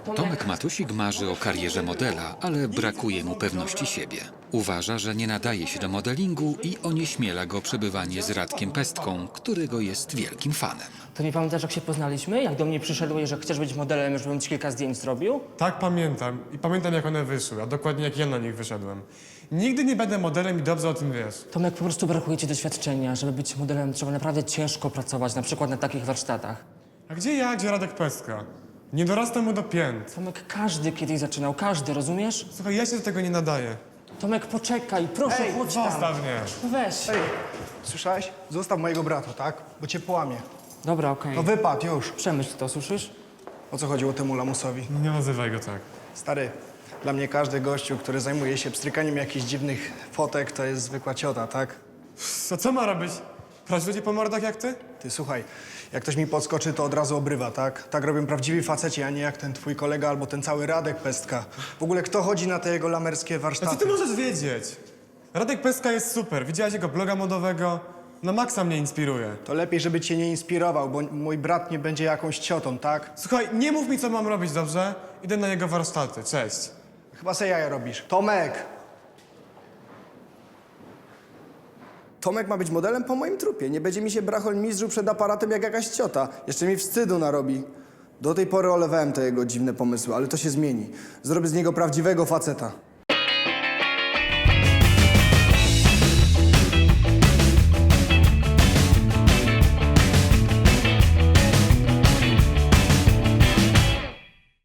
Tomek Matusik marzy o karierze modela, ale brakuje mu pewności siebie. Uważa, że nie nadaje się do modelingu i onieśmiela go przebywanie z Radkiem Pestką, którego jest wielkim fanem. To nie pamiętasz, jak się poznaliśmy? Jak do mnie przyszedłeś, że chcesz być modelem, żebym ci kilka zdjęć zrobił? Tak, pamiętam. I pamiętam, jak one wyszły, a dokładnie jak ja na nich wyszedłem. Nigdy nie będę modelem i dobrze o tym wiesz. Tomek, po prostu brakuje ci doświadczenia. Żeby być modelem, trzeba naprawdę ciężko pracować, na przykład na takich warsztatach. A gdzie ja, gdzie Radek Pestka? Nie dorastam mu do pięt. Tomek, każdy kiedyś zaczynał, każdy, rozumiesz? Słuchaj, ja się do tego nie nadaję. Tomek, poczekaj, proszę, chodź tam. Zostaw mnie. No weź. Ej, słyszałeś? Zostaw mojego brata, tak? Bo cię połamie. Dobra, okej. No wypad już. Przemyśl to, słyszysz? O co chodziło temu lamusowi? Nie nazywaj go tak. Stary, dla mnie każdy gościu, który zajmuje się pstrykaniem jakichś dziwnych fotek, to jest zwykła ciota, tak? Co ma robić? Prać ludzi po mordach jak ty? Ty słuchaj, jak ktoś mi podskoczy, to od razu obrywa, tak? Tak robią prawdziwi faceci, a nie jak ten twój kolega albo ten cały Radek Pestka. W ogóle kto chodzi na te jego lamerskie A co warsztaty? ty możesz wiedzieć? Radek Pestka jest super. Widziałaś jego bloga modowego? Na maksa mnie inspiruje. To lepiej, żeby cię nie inspirował, bo mój brat nie będzie jakąś ciotą, tak? Słuchaj, nie mów mi, co mam robić, dobrze? Idę na jego warsztaty. Cześć. Chyba se jaja robisz. Tomek! Tomek ma być modelem po moim trupie. Nie będzie mi się brachol mizdrzył przed aparatem jak jakaś ciota. Jeszcze mi wstydu narobi. Do tej pory olewałem te jego dziwne pomysły, ale to się zmieni. Zrobię z niego prawdziwego faceta.